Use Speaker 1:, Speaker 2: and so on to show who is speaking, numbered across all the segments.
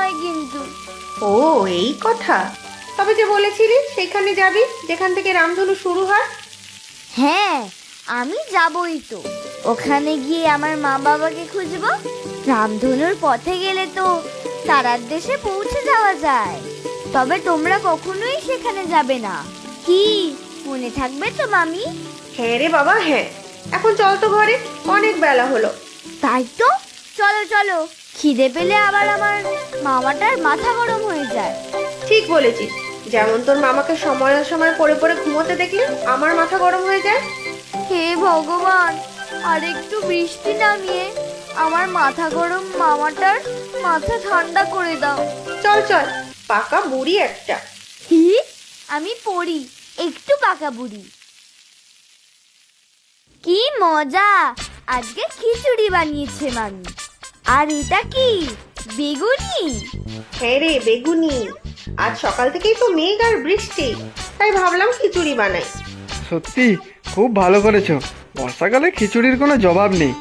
Speaker 1: নয় কিন্তু।
Speaker 2: ও এই কথা। তবে যে বলেছিলি সেখানে যাবি যেখান থেকে রামধনু শুরু হয়।
Speaker 1: হ্যাঁ, আমি যাবই তো। ওখানে গিয়ে আমার মা বাবাকে খুঁজবো। রামধনুর পথে গেলে তো তারার দেশে পৌঁছে যাওয়া যায়। তবে তোমরা কখনোই সেখানে যাবে না, কি মনে থাকবে তো মামি?
Speaker 2: হ্যাঁ রে বাবা, হ্যাঁ। এখন চল তো ঘরে, অনেক বেলা হলো।
Speaker 1: তাই তো, চলো চলো। খিদে পেলে আবার আমার মামাটার মাথা গরম হয়ে যায়।
Speaker 2: ঠিক বলেছিস, যেমন তোর মামাকে সময় সময় পড়ে পড়ে ঘুমোতে দেখলে আমার মাথা গরম হয়ে যায়।
Speaker 1: হে ভগবান, আর একটু বৃষ্টি নামিয়ে আমার মাথা গরম মামাটার মাথা ঠান্ডা করে দাও।
Speaker 2: চল চল, পাকা বুড়ি একটা।
Speaker 1: হি, আমি পড়ি একটু পাকা বুড়ি। কি মজা, আজকে খিচুড়ি বানিয়েছে মামি। আর এটা কি, বেগুনি?
Speaker 2: হ্যাঁ রে বেগুনি, আজ সকাল থেকেই তো মেঘ আর বৃষ্টি, তাই ভাবলাম খিচুড়ি বানাই।
Speaker 3: সত্যি খুব ভালো করেছো। বর্ষাকালে খিচুড়ির কোনো জবাব নেই।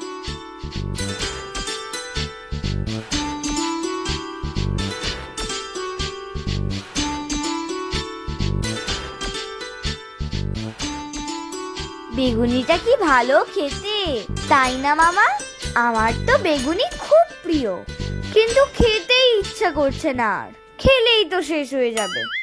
Speaker 1: বেগুনিটা কি ভালো খেতে, তাই না মামা? আমার তো বেগুনি খুব প্রিয়, কিন্তু খেতেই ইচ্ছা করছে না, আর খেলেই তো শেষ হয়ে যাবে।